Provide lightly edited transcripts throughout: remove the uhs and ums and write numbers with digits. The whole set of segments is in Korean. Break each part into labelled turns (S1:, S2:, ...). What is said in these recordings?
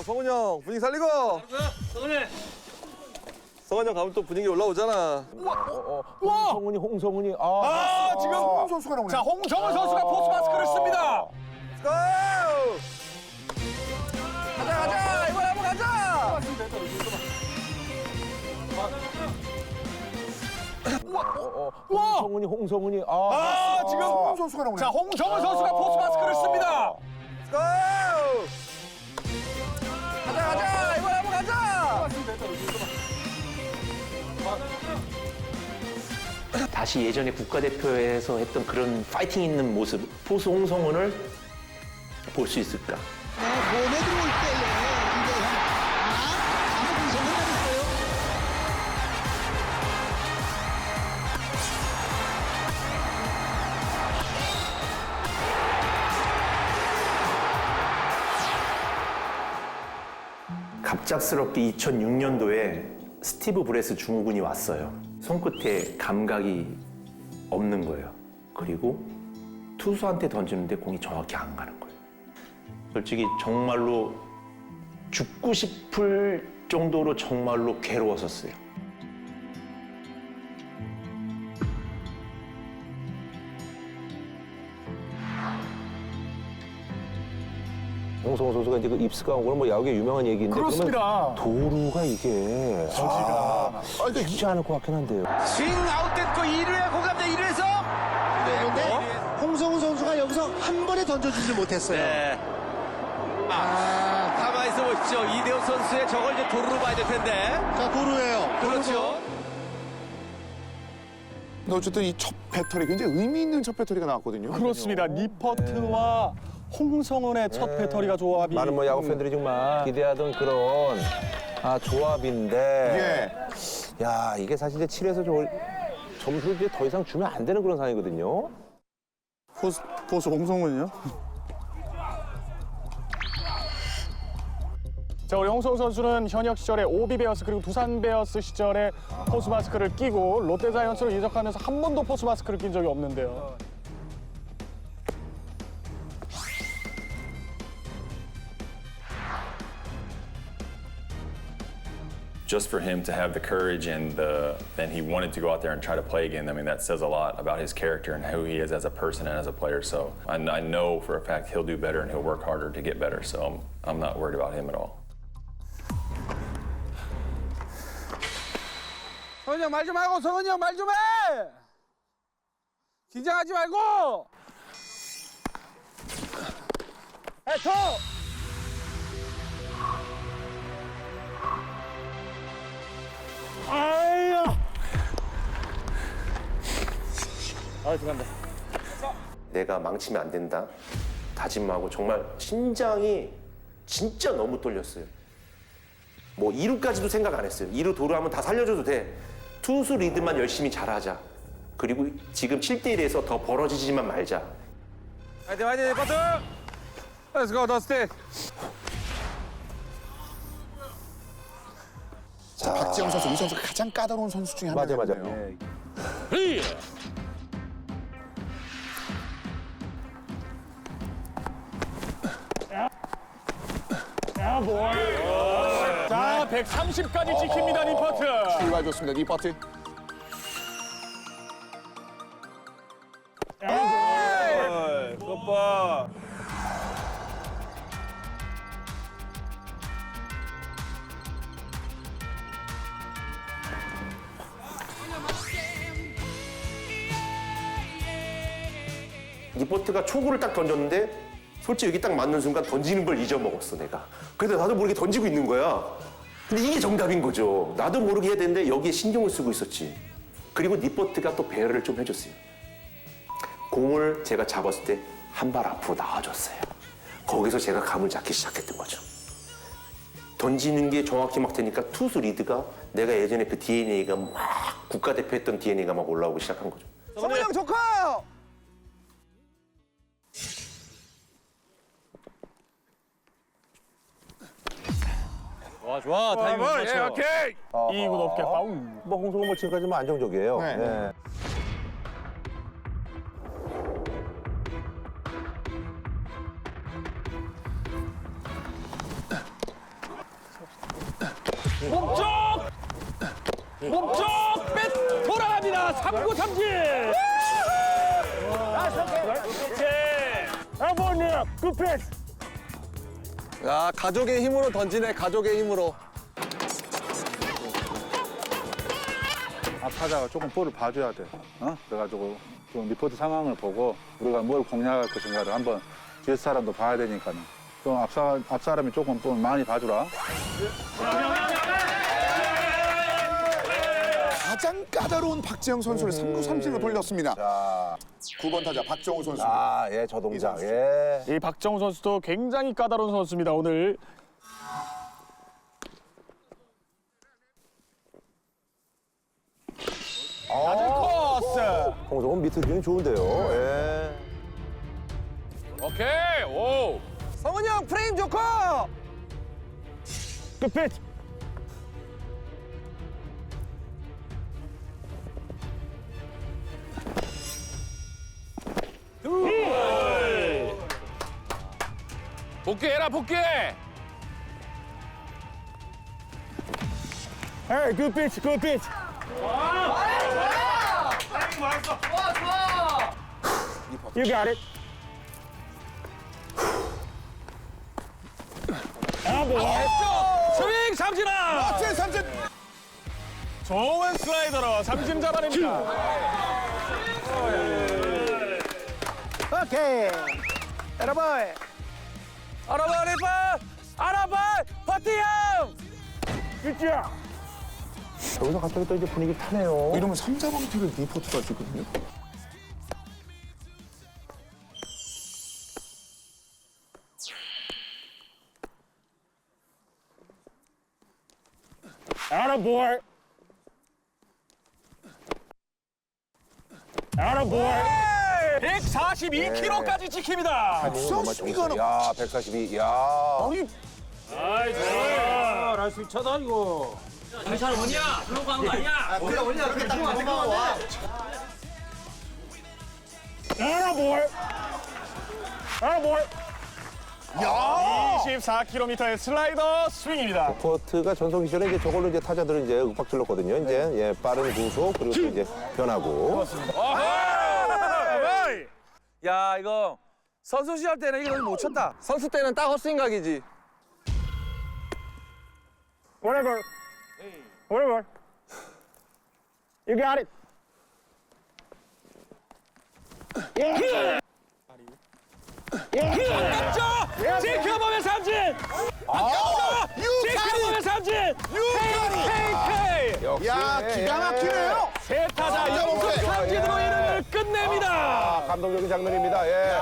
S1: 성훈이 형 분위기 살리고. 성훈이 형 가면 또 분위기 올라오잖아.
S2: 홍성훈이
S3: 지금 홍 선수가 나오네.
S2: 자, 홍성훈 선수가 포스 마스크를 씁니다.
S1: 고! 가자 이번에 한번 가자.
S2: 홍성훈이
S3: 지금 홍 선수가 나오네.
S2: 자, 홍성훈 선수가 포스 마스크를 씁니다.
S1: 고! 가자 이번에 한번 가자.
S4: 다시 예전에 국가대표에서 했던 그런 파이팅 있는 모습, 포수 홍성훈을 볼 수 있을까?
S5: 몸에 들어올 때에 이제 아무 분석을 하겠어요.
S4: 갑작스럽게 2006년도에 스티브 브레스 중후군이 왔어요. 손끝에 감각이 없는 거예요. 그리고 투수한테 던지는데 공이 정확히 안 가는 거예요. 솔직히 정말로 죽고 싶을 정도로 정말로 괴로웠었어요.
S2: 홍성훈 선수가 이제 그 입스가 온 거는 뭐 야구에 유명한 얘기인데
S3: 그렇습니다.
S2: 그러면 도루가 이게 쉽지 않을 것 같긴 한데요.
S6: 스윙 아웃됐고 2루에 고감대 2루에서
S5: 그런데 홍성훈 선수가 여기서 한 번에 던져주지 못했어요.
S6: 네. 가만히 있어 보십시오. 이대호 선수의 저걸 이제 도루로 봐야 될 텐데.
S5: 자, 도루예요.
S6: 그렇죠.
S3: 근데 어쨌든 이 첫 배터리 굉장히 의미 있는 첫 배터리가 나왔거든요.
S7: 그렇습니다. 니퍼트와 홍성훈의 첫 배터리가 조합이
S2: 많은 뭐 야구 팬들이 정말 기대하던 그런 조합인데 야 이게 사실 이제 7에서 점수를 이제 더 이상 주면 안 되는 그런 상황이거든요.
S3: 포수 홍성훈이요?
S7: 자, 우리 홍성훈 선수는 현역 시절에 오비 베어스 그리고 두산 베어스 시절에 포스 마스크를 끼고 롯데 자이언츠로 이적하면서 한 번도 포스 마스크를 낀 적이 없는데요.
S8: Just for him to have the courage and he wanted to go out there and try to play again. I mean, that says a lot about his character and who he is as a person and as a player. So I know for a fact he'll do better and he'll work harder to get better. So I'm not worried about him at all.
S1: 성훈이 형 말 좀 하고. 성훈이 형 말 좀 해. 긴장하지 말고. 해토.
S4: 내가 망치면 안 된다 다짐하고 정말 심장이 진짜 너무 떨렸어요. 뭐 2루까지도 생각 안 했어요. 2루 도루하면 다 살려줘도 돼. 투수 리드만 열심히 잘하자. 그리고 지금 7대1에서 더 벌어지지만 말자.
S1: 화이팅 화이팅 버트. Let's go 더스티.
S3: 자, 박지영 선수, 이 선수가 가장 까다로운 선수 중에 한
S2: 맞아.
S3: 명이에요.
S7: 자, 130까지 찍힙니다, 니퍼트.
S3: 출발 좋습니다. 니퍼트.
S1: 그것 봐.
S4: 니포트가 초구를 딱 던졌는데 솔직히 여기 딱 맞는 순간 던지는 걸 잊어먹었어 내가. 근데 나도 모르게 던지고 있는 거야. 근데 이게 정답인 거죠. 나도 모르게 해야 되는데 여기에 신경을 쓰고 있었지. 그리고 니포트가 또 배려를 좀 해줬어요. 공을 제가 잡았을 때 한 발 앞으로 나와줬어요. 거기서 제가 감을 잡기 시작했던 거죠. 던지는 게 정확히 막 되니까 투수 리드가 내가 예전에 그 DNA가 막 국가대표 했던 DNA가 막 올라오기 시작한 거죠.
S1: 성훈이 형 조커. 좋아 타이밍 맞춰.
S3: 오케이.
S7: 2구 높게 파울.
S2: 뭐 홍성훈 뭐 지금까지 뭐 안정적이에요.
S3: 네.
S2: 네.
S1: 몸쪽 뺏 돌아갑니다. 3구 삼진.
S7: 아버님 그 패스.
S6: 야, 가족의 힘으로 던지네, 가족의 힘으로.
S1: 타자가 조금 볼을 봐줘야 돼. 그래가지고 좀 리포트 상황을 보고 우리가 뭘 공략할 것인가를 한번 뒤에 사람도 봐야 되니까 좀 앞 사람이 조금 볼 많이 봐주라.
S3: 가장 까다로운 박재영 선수를 3구 삼진으로 돌렸습니다.
S2: 자,
S3: 9번 타자 박정우 선수.
S2: 예, 저 동작.
S3: 이 선수.
S2: 예.
S7: 이 박정우 선수도 굉장히 까다로운 선수입니다. 오늘
S2: 홍성훈 미트 기운이 좋은데요. 예.
S1: 오케이. 오.
S6: 성훈이 형 프레임 좋고.
S7: 그 패스.
S1: 복귀해라 복귀해.
S7: Hey, good pitch, good pitch. You got it.
S1: 스윙 삼진아.
S3: 박재영 삼진.
S7: 좋은 슬라이더로 삼진 잡아냅니다.
S5: 오케이. 여러분.
S6: 알아봐, 리파! 알아봐! 버티형!
S7: 굿자.
S2: 여기서 갑자기 또 이제 분위기 타네요.
S3: 이러면 3, 4번 타를 리포트가 할 수 있거든요.
S7: Attaboy. Attaboy.
S1: 142kg까지 지킵니다.
S2: 정말 정말. 야, 142. 야.
S1: 날수 있잖아 이거.
S7: Attaboy. Attaboy. 24km의 슬라이더 스윙입니다.
S2: 포트가 전성 시절에 이제 저걸로 이제 타자들은 이제 윽박 질렀거든요. 이제 예, 빠른 구속 그리고 또 이제 변하고.
S6: 야, 이거 선수 시절 때는 이거 못 쳤다. 선수 때는 딱 헛스윙 각이지.
S7: Whatever. Whatever. You got it.
S1: 지켜보면 삼진. 지켜보면 삼진. KK.
S3: 야, 기가 막히네요.
S1: 세 타자 연속 삼진으로 이닝을 끝냅니다.
S2: 감동적인 장면입니다. 예.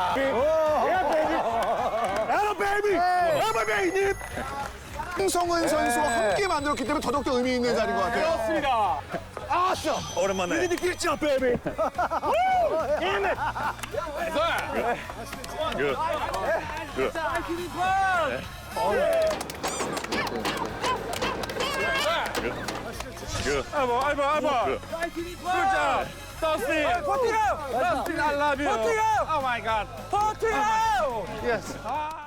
S3: 홍성은 선수와 함께 만들었기 때문에 더더욱더 의미 있는 자리인 것 같아요.
S7: 그렇습니다.
S8: 오랜만에.
S1: 알바. 굿자. 더스틴. 버티고. 더스틴 I love you. 버티고. Oh my god. 버티고. Yes.